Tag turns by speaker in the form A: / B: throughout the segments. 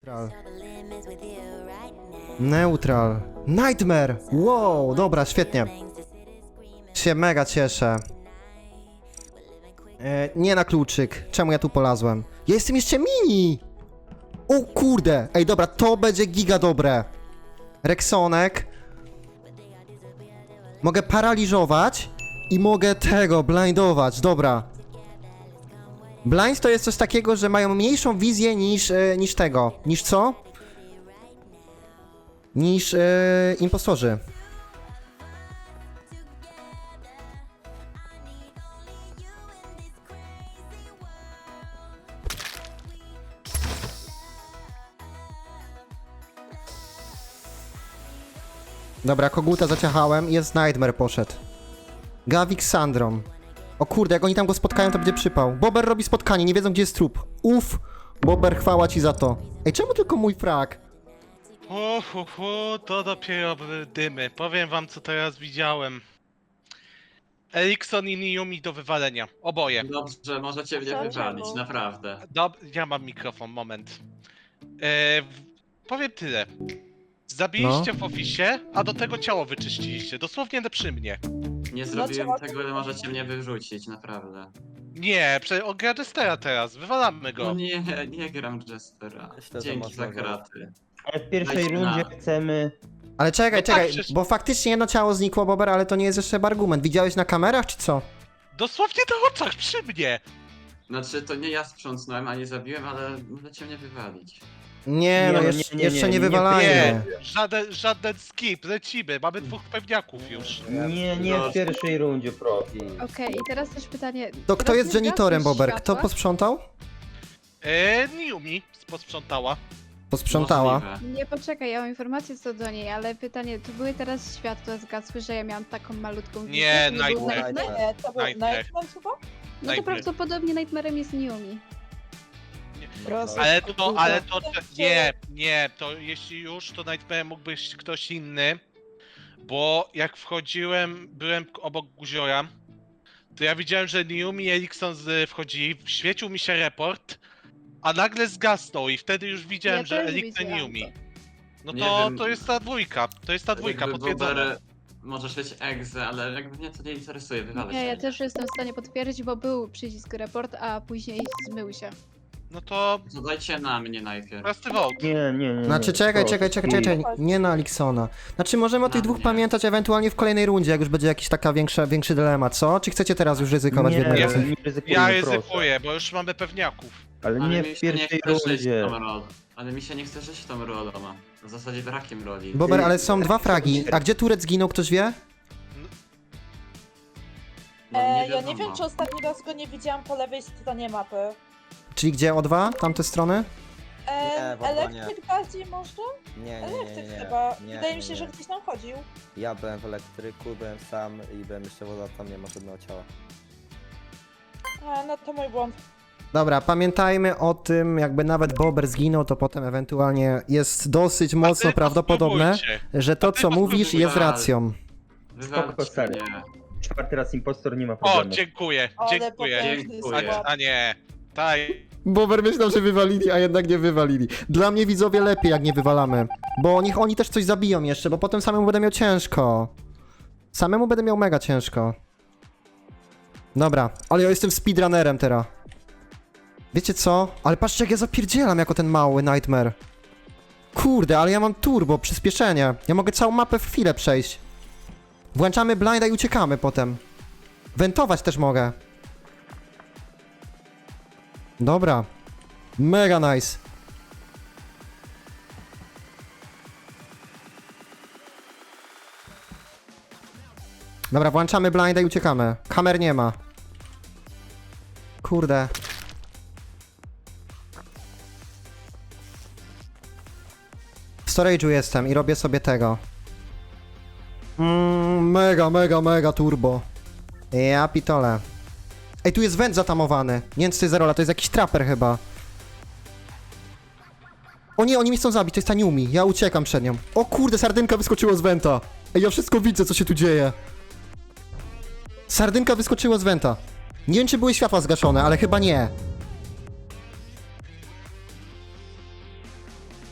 A: Neutral. Neutral. Nightmare! Wow, dobra, świetnie. Się mega cieszę. Nie na kluczyk. Czemu ja tu polazłem? Ja jestem jeszcze mini! O kurde! Ej, dobra, to będzie giga dobre. Rexonek. Mogę paraliżować i mogę tego blindować, dobra. Blind to jest coś takiego, że mają mniejszą wizję niż tego. Niż co? Niż impostorzy. Dobra, koguta zaciachałem, jest Nightmare poszedł. Gavik z Sandrą. O kurde, jak oni tam go spotkają, to będzie przypał. Bober robi spotkanie, nie wiedzą gdzie jest trup. Uff, Bober, chwała ci za to. Ej, czemu tylko mój frak?
B: To dopiero dymy. Powiem wam, co teraz widziałem. Erikson i Niyumi do wywalenia. Oboje.
C: Dobrze, możecie mnie wywalić, naprawdę.
B: Ja mam mikrofon, moment. Powiem tyle. Zabiliście w ofisie, a do tego ciało wyczyściliście. Dosłownie przy mnie.
C: Nie zrobiłem tego, ale możecie mnie wyrzucić, naprawdę.
B: Nie, on gra Jestera teraz. Wywalamy go.
C: No nie gram Jestera.
D: Myślę, że
C: Dzięki
D: można
C: za kraty.
E: Ale w pierwszej
C: Dajcie
E: rundzie
C: na-
E: chcemy...
A: Ale czekaj,
B: No tak,
A: czekaj,
B: przecież-
A: bo faktycznie jedno ciało znikło, Bober, ale to nie jest jeszcze argument. Widziałeś na kamerach, czy co?
B: Dosłownie na oczach przy mnie.
C: Znaczy, to nie ja sprzątnąłem, ani zabiłem, ale możecie mnie wywalić.
A: Nie, no
E: Nie,
A: jeszcze
E: nie,
A: jeszcze nie
E: nie,
A: wywalajmy.
B: Żaden skip, lecimy. Mamy dwóch pewniaków już.
E: Nie w pierwszej rundzie, profi.
F: Okej, i teraz też pytanie.
A: To kto
F: teraz
A: jest
F: nie
A: janitorem,
F: zgasłeś
A: Bober? Kto
F: światła?
A: posprzątał?
B: Niyumi posprzątała.
A: Posprzątała.
C: Możliwe.
F: Nie, poczekaj, ja mam informację co do niej, ale pytanie, tu były teraz światła zgasły, że ja miałam taką malutką wizję?
B: Nie,
F: był
B: Nightmare.
F: Nightmare?
G: Nie, to był
B: Nightmare.
G: Nightmare chyba?
F: No to
B: Nightmare.
F: prawdopodobnie Nightmarem jest Niyumi.
G: Proszę.
B: Nie, to jeśli już, to Nightmare mógł być ktoś inny, bo jak wchodziłem, byłem obok Guziora, to ja widziałem, że Niyumi i Erikson wchodzili, świecił mi się report, a nagle zgasnął i wtedy już widziałem,
F: Ja
B: że
F: też
B: Erikson i
F: widziałam
B: Niyumi. No
C: Nie
B: to,
C: wiem.
B: to jest ta dwójka,
C: Jakby
B: potwierdzona.
C: Bober, możesz mieć egzę, ale jakby mnie to nie interesuje, wywalać.
F: Nie, ja też jestem w stanie potwierdzić, bo był przycisk report, a później zmył się.
B: No to
C: Zadajcie na mnie najpierw.
B: prosty vote.
E: Nie.
A: Znaczy czekaj,
E: profi.
A: czekaj, nie na Aliksona. Znaczy możemy o tych
C: Na
A: dwóch
C: mnie.
A: pamiętać ewentualnie w kolejnej rundzie, jak już będzie jakiś taka większy dylemat, co? Czy chcecie teraz już ryzykować w jednej
B: Ja-
A: razy?
E: nie ryzykujmy,
B: Ja
E: proszę.
B: ryzykuję, bo już mamy pewniaków.
E: Ale
C: Ale
E: nie
C: mi
E: w
C: się nie
E: pierwszej
C: chce żyć
E: rundzie.
C: tą rolą. Ale mi się nie chce żyć tą rolą. W zasadzie brakiem roli.
A: Bober, ale są dwa fragi. A gdzie Turec zginął, ktoś wie?
C: No,
G: Ja nie
C: wiadomo.
G: wiem, czy ostatni raz go nie widziałam po lewej stronie mapy.
A: Czyli gdzie O2? Tamte strony?
D: Nie, w ogóle nie.
G: Elektryk bardziej może?
D: Nie.
G: Elektryk chyba.
D: Nie,
G: Wydaje mi
D: nie,
G: się, że
D: nie.
G: gdzieś tam chodził.
D: Ja byłem w elektryku, byłem sam i byłem jeszcze woda, tam nie ma żadnego ciała.
G: A, no to mój błąd.
A: Dobra, pamiętajmy o tym, jakby nawet Bober zginął, to potem ewentualnie jest dosyć mocno
B: A ty
A: prawdopodobne,
B: spróbujcie.
A: że to,
B: ty
A: co mówisz,
B: spróbuj.
A: jest racją.
E: Spoko,
C: Wywalcie
E: stary.
C: mnie.
E: Czwarty raz impostor, nie ma
B: O,
E: problemu.
B: dziękuję,
G: Ale
B: dziękuję.
G: potężny
C: Dziękuję.
G: skład.
B: A nie, taj.
A: Bober myślał, że wywalili, a jednak nie wywalili. Dla mnie widzowie lepiej, jak nie wywalamy. Bo niech oni też coś zabiją jeszcze, bo potem samemu będę miał ciężko. Samemu będę miał mega ciężko. Dobra, ale ja jestem speedrunnerem teraz. Wiecie co? Ale patrzcie, jak ja zapierdzielam jako ten mały Nightmare. Kurde, ale ja mam turbo, przyspieszenie. Ja mogę całą mapę w chwilę przejść. Włączamy blinda i uciekamy potem. Wentować też mogę. Dobra. Mega nice. Dobra, włączamy blinda i uciekamy. Kamer nie ma. Kurde. W storage'u jestem i robię sobie tego. Mega turbo. Ja pitole. Ej, tu jest węd zatamowany. Nie wiem, co to jest za rola, to jest jakiś trapper chyba. O nie, oni mnie chcą zabić, to jest ta Niyumi. Ja uciekam przed nią. O kurde, sardynka wyskoczyła z węta. Ej, ja wszystko widzę, co się tu dzieje. Sardynka wyskoczyła z węta. Nie wiem, czy były światła zgaszone, ale chyba nie.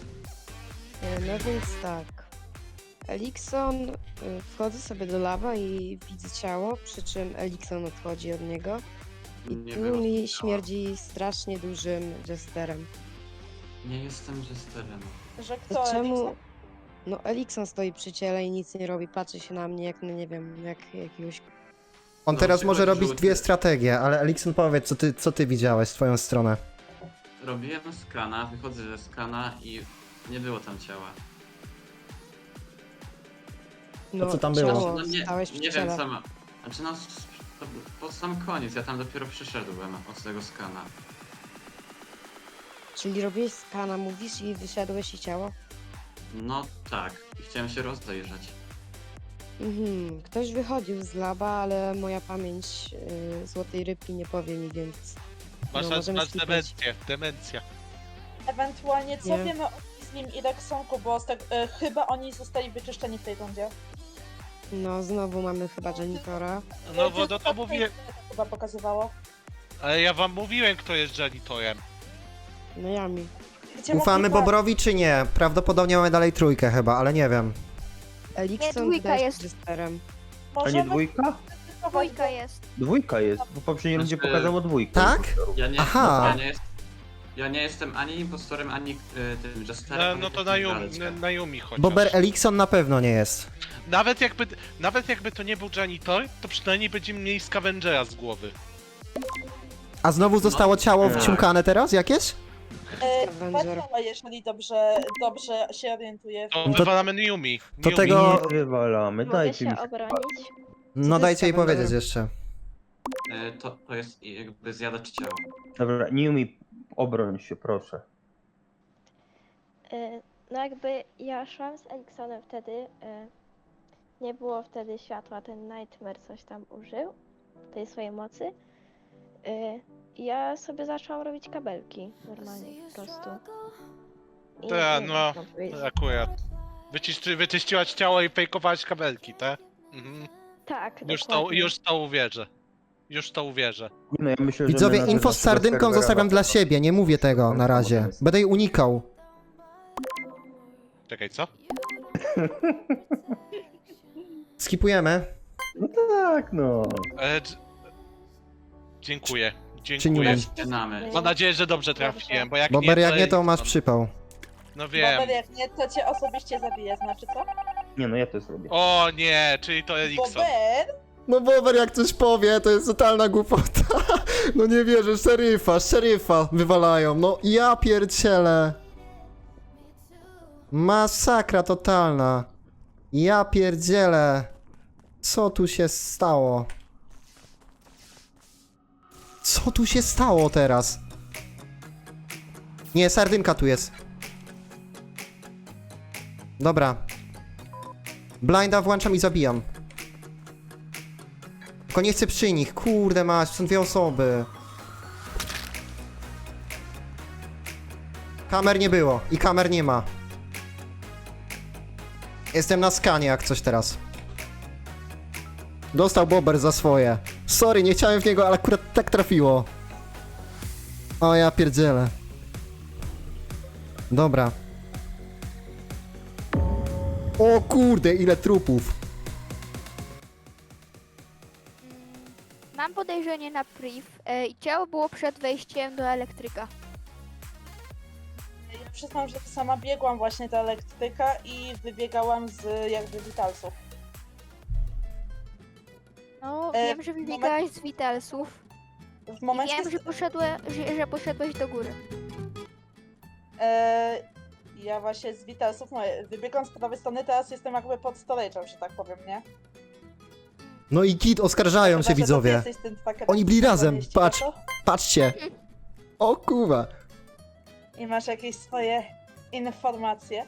H: No więc tak. Elikson, wchodzę sobie do lawa i widzę ciało, przy czym Elikson odchodzi od niego. I
C: Nie
H: tu
C: było
H: mi
C: ciała.
H: śmierdzi strasznie dużym jesterem.
C: Nie jestem jesterem.
G: Że
H: To
G: kto?
H: czemu...
G: Elikson?
H: No Elikson stoi przy ciele i nic nie robi, patrzy się na mnie jak, no nie wiem, jak jakiegoś...
A: On
C: No,
A: teraz może
C: przychodzi
A: robić
C: żółty.
A: dwie strategie, ale Elikson powiedz, co ty widziałeś w twoją stronę.
C: Robiłem skana, wychodzę ze skana i nie było tam ciała.
H: No,
A: co tam było?
H: ciało,
C: No nie,
H: stałeś przy
C: nie
H: ciele.
C: wiem sama. Znaczy no, to pod sam koniec, ja tam dopiero przyszedłem od tego skana.
H: Czyli robiłeś skana, mówisz, i wyszedłeś i ciało?
C: No tak, i chciałem się rozejrzeć.
H: Mhm, ktoś wychodził z laba, ale moja pamięć złotej rybki nie powie mi, więc...
B: Masz,
H: No, możemy
B: masz
H: skipnąć.
B: demencję, demencja.
G: Ewentualnie co
H: Nie.
G: wiemy o Izlim i Rexonku, bo chyba oni zostali wyczyszczeni w tej rundzie.
H: No, znowu mamy chyba janitora.
B: No bo no to
G: tak
B: mówię,
G: chyba pokazywało.
B: ale ja wam mówiłem, kto jest janitorem.
H: No Yami.
G: Gdzie
A: Ufamy
G: mogli
A: Bobrowi czy nie? Prawdopodobnie mamy dalej trójkę chyba, ale nie wiem.
H: Elikson
F: dwójka
H: też
F: jest.
H: jesterem.
E: A nie
G: Możemy
E: dwójka?
F: Dwójka jest.
E: Dwójka jest, bo w poprzedniej rundzie
C: Znaczy-
E: pokazało dwójkę.
A: Tak? Aha.
C: Ja nie jestem ani impostorem, ani tym jesterem.
B: No
C: ani
B: to
C: takim
B: na Yumi chociaż.
A: Bober Elikson na pewno nie jest.
B: Nawet jakby to nie był janitor, to przynajmniej będziemy mieli scavengera z głowy.
A: A znowu zostało ciało
E: tak.
A: wciąkane teraz jakieś?
H: Scavenger.
G: Patrzała, jeżeli dobrze się orientuję.
B: To
A: To-
B: wywalamy Yumi.
A: to
B: Yumi.
A: tego-
E: Nie wywalamy,
F: Mogę
E: dajcie mi
F: się obronić.
A: No
H: to
A: dajcie jej
H: jest
A: powiedzieć
H: Scavenger?
A: jeszcze.
C: To jest jakby zjadacz ciała.
E: Dobra, nie umie obroń się, proszę.
I: No jakby ja szłam z Eliksonem wtedy, nie było wtedy światła, ten Nightmare coś tam użył, tej swojej mocy. Ja sobie zaczęłam robić kabelki normalnie po prostu. I
B: Tak,
I: nie
B: no,
I: wiem, co powiedzieć.
B: akurat. Wyczyściłaś ciało i fejkowałaś kabelki, tak? Mhm.
I: Tak,
B: Już
I: dokładnie.
B: to uwierzę. Już to uwierzę.
E: No, ja myślę, że
A: Widzowie,
E: my na
A: info z
E: naszego
A: sardynką
E: serwera
A: zostawiam dla
E: to-
A: siebie, nie mówię tego na razie. Będę jej unikał.
B: Czekaj, co?
A: Skipujemy.
E: No tak, no.
B: Dziękuję.
A: Czy
B: Dziękuję.
A: nie?
C: Ścianamy.
B: Mam nadzieję, że dobrze trafiłem, bo jak
A: Bober
B: nie,
A: jak nie to masz
B: Elikson.
A: przypał.
B: No wiem.
G: Bober, jak nie, to cię osobiście zabije, znaczy co?
E: Nie no, ja to zrobię.
B: O nie, czyli to Elikson.
G: Bober?
A: No Bober jak coś powie, to jest totalna głupota. No nie wierzę, szeryfa wywalają. No ja pierdzielę. Masakra totalna. Ja pierdzielę. Co tu się stało? Co tu się stało teraz? Nie, sardynka tu jest. Dobra. Blinda włączam i zabijam. Tylko nie chcę przy nich. Kurde mać, są dwie osoby. Kamer nie było i kamer nie ma. Jestem na skanie jak coś teraz. Dostał Bober za swoje. Sorry, nie chciałem w niego, ale akurat tak trafiło. O ja pierdzielę. Dobra. O kurde, ile trupów.
F: Mam podejrzenie na priv i ciało było przed wejściem do elektryka.
G: Ja przyznam, że sama biegłam właśnie do elektryka i wybiegałam z jakby witalsów.
F: No,
G: E,
F: wiem, że wybiegałaś z Vitalsów.
G: W
F: I
G: momencie...
F: wiem, że poszedłeś do góry.
G: Ja właśnie z witalsów wybiegłam z prawej strony, teraz jestem jakby pod storage'em, że tak powiem, nie?
A: No i git, oskarżają
G: Chyba,
A: się
G: że to ty
A: widzowie.
G: jesteś tym trackerem,
A: Oni byli
G: który
A: razem,
G: mieści,
A: patrz.
G: no to?
A: Patrzcie. O kurwa.
G: I masz jakieś swoje informacje.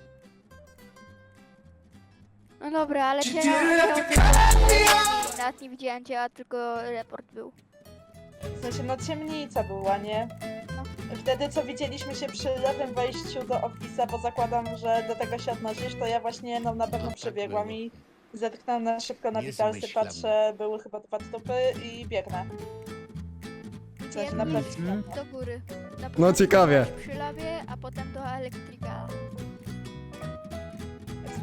F: No dobra, ale cię nawet nie widziałem ciała, tylko report był.
G: W sensie, no ciemnica była, nie?
F: No.
G: Wtedy, co widzieliśmy się przy lewym wejściu do Office'a, bo zakładam, że do tego się odnosisz, to ja właśnie no na pewno przebiegłam i zerknąłem na szybko na witalsy, patrzę, były chyba 2 trupy i biegnę. W sensie, na
F: Biegłem
G: pewno.
F: do góry. Na
A: No
F: początku
A: ciekawie.
F: byłeś przy labie, a potem do elektryka.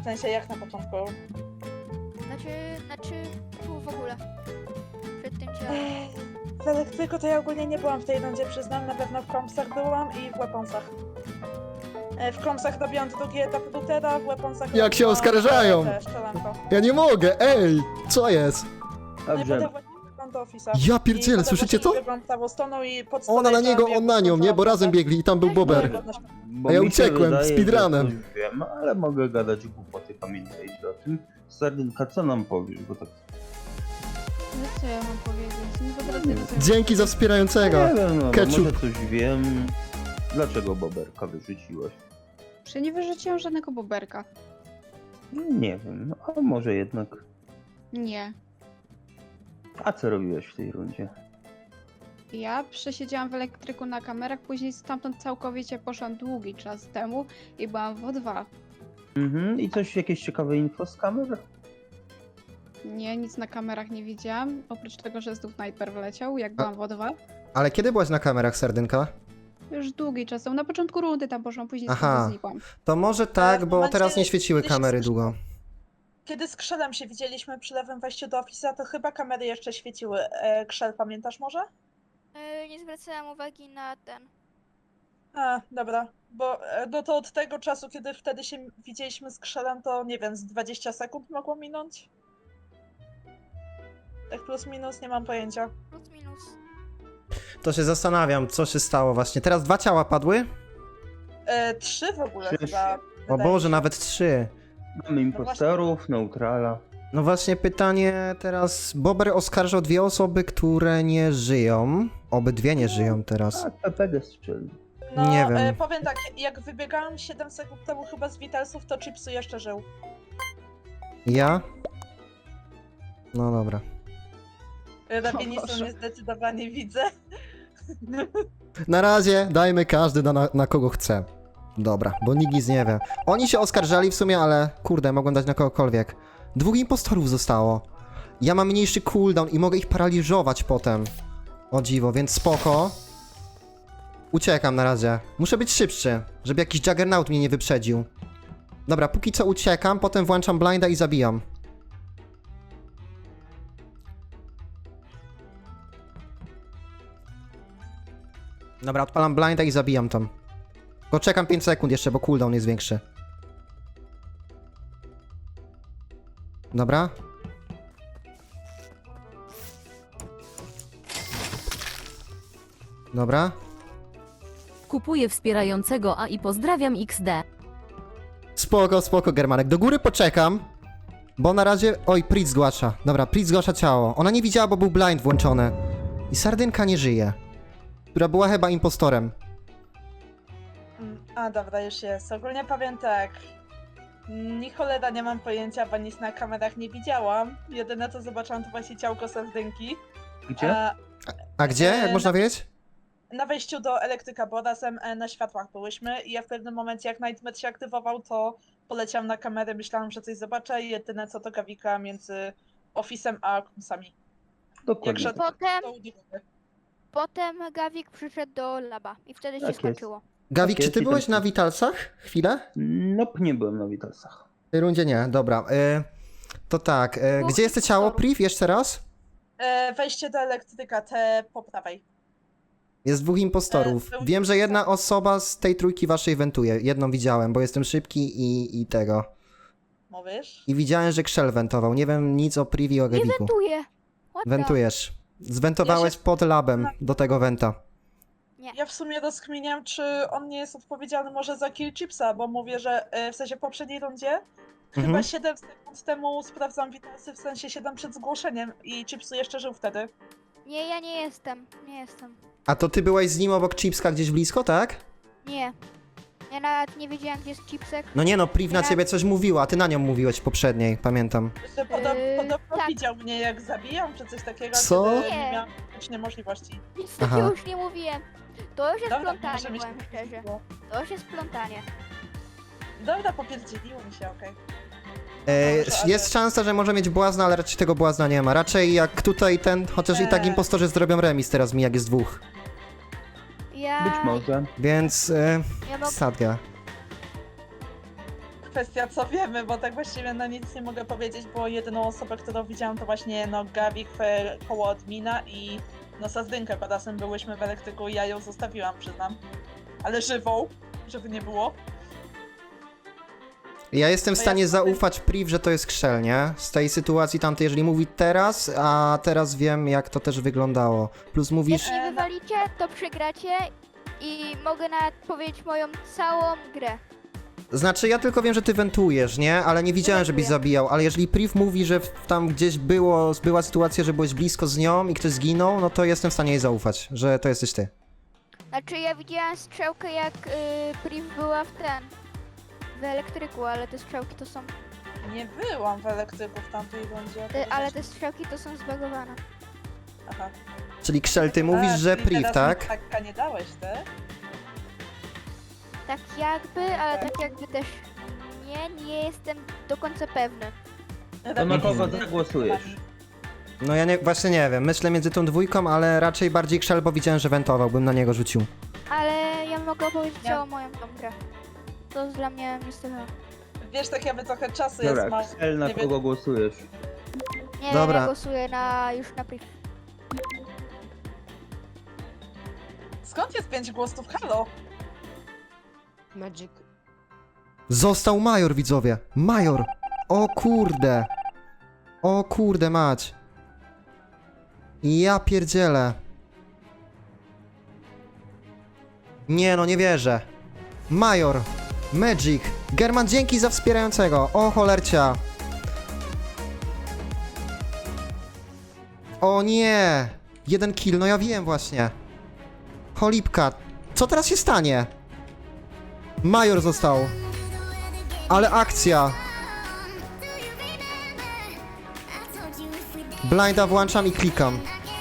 G: W sensie jak na początku.
I: Znaczy, tu w ogóle. Przed tym ciałem.
G: W elektryku to ja ogólnie nie byłam w tej rundzie, przyznam. Na pewno w kompsach byłam i w weaponsach. W kompsach robiłam drugi etap routera, w weaponsach
A: Jak się
G: robiłam,
A: oskarżają!
G: Szczelanko.
A: Ja nie mogę, ej! Co jest?
G: No i
E: Dobrze.
G: potem właśnie wyglądam do Office'a.
A: Ja
G: I
A: pierdzielę,
G: potem
A: słyszycie
G: właśnie
A: to?
G: wyglądam prawą stroną i pod
A: Ona na
G: stołem
A: niego,
G: robię
A: on na nią, nie? Bo razem biegli i tam był Bober.
E: Bo
A: A ja
E: mi się
A: uciekłem,
E: wydaje,
A: speedrunem.
E: że coś wiem, ale mogę gadać głupoty, pamiętajcie o tym. Sardynka, co nam powiesz, bo tak...
F: No co ja mam powiedzieć? Nie potrafię do tego.
A: Dzięki za wspierającego.
E: Nie wiem, no, bo
A: Ketchup.
E: może coś wiem. Dlaczego Boberka wyrzuciłaś?
F: Że nie wyrzuciłam żadnego boberka.
E: Nie wiem, no, a może jednak...
F: Nie.
E: A co robiłeś w tej rundzie?
F: Ja przesiedziałam w elektryku na kamerach, później stamtąd całkowicie poszłam długi czas temu i byłam w O2.
E: Mhm, i coś, jakieś ciekawe info z kamer?
F: Nie, nic na kamerach nie widziałam, oprócz tego, że znów Nightmare wleciał, jak byłam w O2.
A: Ale kiedy byłaś na kamerach, Sardynka?
F: Już długi czas temu, na początku rundy tam poszłam, później
A: Aha.
F: sobie znikłam.
A: To może tak,
G: w
A: bo
G: momencie,
A: teraz nie świeciły
G: kiedy się
A: kamery
G: słyszy-
A: długo.
G: Kiedy z Krzelem się widzieliśmy przy lewym wejściu do Office'a, to chyba kamery jeszcze świeciły. Krzel, pamiętasz może?
I: Nie zwracałam uwagi na ten.
G: A, dobra. Bo no to od tego czasu, kiedy wtedy się widzieliśmy z Krzelem, to nie wiem, z 20 sekund mogło minąć? Tak plus minus, nie mam pojęcia.
I: Plus minus.
A: To się zastanawiam, co się stało właśnie. Teraz 2 ciała padły?
G: 3 w ogóle
E: Trzy.
G: chyba.
A: O
G: wydaje
A: Boże,
G: się.
A: nawet 3.
E: Mamy impostorów, neutrala.
A: No właśnie pytanie teraz. Bober oskarżał 2 osoby, które nie żyją. Obydwie nie żyją teraz.
E: A, PPD strzelił.
G: No,
A: nie wiem.
G: powiem tak, jak wybiegałam 7 sekund temu chyba z Vitalsów, to Chipsu jeszcze żył.
A: Ja? No dobra.
G: Rabinistą
F: Boże.
G: niezdecydowanie widzę.
A: Na razie dajmy każdy na kogo chce. Dobra, bo nikt nic nie wie. Oni się oskarżali w sumie, ale kurde, mogłem dać na kogokolwiek. 2 impostorów zostało. Ja mam mniejszy cooldown i mogę ich paraliżować potem. O dziwo, więc spoko. Uciekam na razie. Muszę być szybszy, żeby jakiś Juggernaut mnie nie wyprzedził. Dobra, póki co uciekam, potem włączam blinda i zabijam. Dobra, odpalam blinda i zabijam tam. Tylko czekam 5 sekund jeszcze, bo cooldown jest większy. Dobra. Dobra.
J: Kupuję wspierającego A i pozdrawiam XD.
A: Spoko, spoko, Germanek. Do góry poczekam. Bo na razie... Oj, Prit zgłasza. Dobra, Prit zgłasza ciało. Ona nie widziała, bo był blind włączony. I Sardynka nie żyje. Która była chyba impostorem.
G: A dobra, już jest. Ogólnie powiem tak. Ni cholera nie mam pojęcia, bo nic na kamerach nie widziałam. Jedyne co zobaczyłam to właśnie ciałko Sardynki.
E: Gdzie?
A: A gdzie? Jak można wiedzieć?
G: Na wejściu do elektryka, bo razem na światłach byłyśmy i ja w pewnym momencie jak Nightmare się aktywował, to poleciałam na kamerę, myślałam, że coś zobaczę i jedyne co to Gawika między Office'em a Kumsami.
E: Dokładnie.
G: jak
E: tak.
I: Potem Gawik przyszedł do laba i wtedy się
E: Tak jest.
I: skończyło.
A: Gawik,
E: Tak
A: czy ty
E: jest,
A: byłeś
E: i tam-
A: na Witalsach? Chwilę?
E: Nope, nie byłem na Witalsach.
A: W tej rundzie nie, dobra. To tak,
I: Dwóch
A: gdzie jest to ciało,
I: impostorów.
A: Priv? Jeszcze raz?
G: Wejście do elektryka, te po prawej.
A: Jest 2 impostorów.
G: był-
A: Wiem, że jedna osoba z tej trójki waszej wentuje. Jedną widziałem, bo jestem szybki i tego.
G: Mówisz?
A: I widziałem, że Krzel wentował. Nie wiem nic o Privi i o
I: Nie
A: Gaviku.
I: wentuję. What the-
A: Wentujesz. Zwentowałeś
G: Ja się-
A: pod labem do tego wenta.
G: Ja w sumie rozkminiam, czy on nie jest odpowiedzialny może za kill Chipsa, bo mówię, że w sensie w poprzedniej rundzie chyba
A: Mhm.
G: 7 sekund temu sprawdzam Witalsy, w sensie 7 przed zgłoszeniem i Chipsu jeszcze żył wtedy.
I: Nie, ja nie jestem. Nie jestem.
A: A to ty byłeś z nim obok Chipska gdzieś blisko, tak?
I: Nie. Ja nawet nie wiedziałem, gdzie jest chipsek.
A: No nie no, Priv na
I: Ja-
A: ciebie coś mówiła, a ty na nią mówiłeś w poprzedniej, pamiętam.
G: Że podobno
I: tak.
G: widział mnie jak zabijam, czy coś takiego,
A: Co?
G: kiedy
I: Nie.
G: nie miałam praktycznie możliwości.
I: Nic
A: Aha.
I: takiego już nie mówiłem. To już jest
G: Dobra,
I: plątanie,
G: może mi się
I: powiem szczerze.
G: było.
I: To już jest plątanie.
G: Dobra, popierdzieliło mi się, okej.
A: Jest
G: ale-
A: szansa, że może mieć błazna, ale raczej tego błazna nie ma. Raczej jak tutaj ten, chociaż i tak
G: Nie.
A: impostorzy zrobią remis teraz mi, jak jest 2.
I: Ja...
E: Być może.
A: Więc
I: Ja mogę...
A: sadga.
G: kwestia co wiemy, bo tak właściwie na nic nie mogę powiedzieć, bo jedyną osobę, którą widziałam to właśnie no Gabi koło admina i no Sazdynka kodasem byłyśmy w elektryku i ja ją zostawiłam, przyznam. Ale żywą, żeby nie było.
A: Ja jestem w
G: To
A: stanie
G: ja-
A: zaufać Priv, że to jest Krzel, nie? Z tej sytuacji tamtej, jeżeli mówi teraz, a teraz wiem, jak to też wyglądało. Plus mówisz...
I: Jak nie wywalicie, to przegracie i mogę nawet powiedzieć moją całą grę.
A: Znaczy, ja tylko wiem, że ty wentujesz, nie? Ale nie widziałem, żebyś
I: Wentuję.
A: zabijał. Ale jeżeli Priv mówi, że tam gdzieś była sytuacja, że byłeś blisko z nią i ktoś zginął, no to jestem w stanie jej zaufać, że to jesteś ty.
I: Znaczy ja widziałem strzałkę jak Priv była w elektryku, ale te strzałki to są,
G: Nie byłam w elektryku w tamtej rundzie.
I: ale te strzałki to są zbagowane.
G: Aha.
A: Czyli Krzel, ty mówisz, że
G: czyli
A: Priv,
G: teraz
A: tak?
G: mi taka nie dałeś, ty?
I: Tak jakby, ale tak jakby też nie jestem do końca pewny.
E: To na kogo zagłosujesz?
A: No ja właśnie nie wiem, myślę między tą dwójką, ale raczej bardziej Krzel, bo widziałem, że wentował, bym na niego rzucił.
I: Ale ja mogę opowiedzieć
G: Ja-
I: całą moją tą grę. To jest dla mnie niestety.
G: Wiesz, tak jakby trochę czasu
E: Dobra,
G: jest mało.
E: Ksel, na
G: nie wiem.
E: kogo głosujesz?
I: Nie,
A: Dobra.
I: ja głosuję już na Priv.
G: Skąd jest 5 głosów? Halo?
H: Magic.
A: Został Major, widzowie! Major! O kurde! O kurde mać! Ja pierdzielę! Nie no, nie wierzę! Major! Magic! German, dzięki za wspierającego! O cholercia! O nie! 1 kill, no ja wiem właśnie! Cholipka! Co teraz się stanie? Major został! Ale akcja! Blinda włączam i klikam.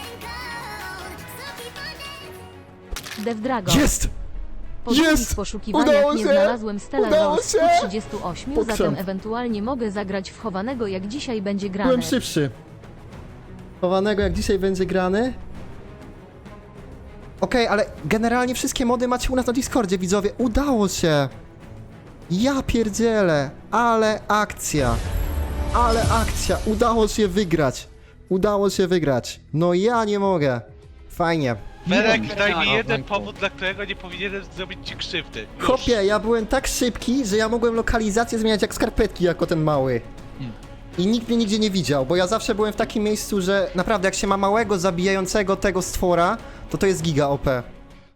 J: Dev Dragon.
A: Jest!
J: Po długich
A: Jest!
J: poszukiwaniach
A: Udało
J: nie
A: się!
J: znalazłem Stella
A: Udało
J: Rose
A: się!
J: 138,
A: Pokrzem.
J: zatem ewentualnie mogę zagrać w chowanego, jak dzisiaj będzie grane.
A: Byłem szybszy. Chowanego jak dzisiaj będzie grany. Okej, ale generalnie wszystkie mody macie u nas na Discordzie, widzowie. Udało się! Ja pierdzielę! Ale akcja! Ale akcja! Udało się wygrać! Udało się wygrać! No ja nie mogę! Fajnie.
B: Berek, daj mi jeden powód, dla którego nie powinienem zrobić ci krzywdy. Już.
A: Chłopie, ja byłem tak szybki, że ja mogłem lokalizację zmieniać jak skarpetki, jako ten mały. I nikt mnie nigdzie nie widział, bo ja zawsze byłem w takim miejscu, że naprawdę jak się ma małego zabijającego tego stwora, to jest giga OP.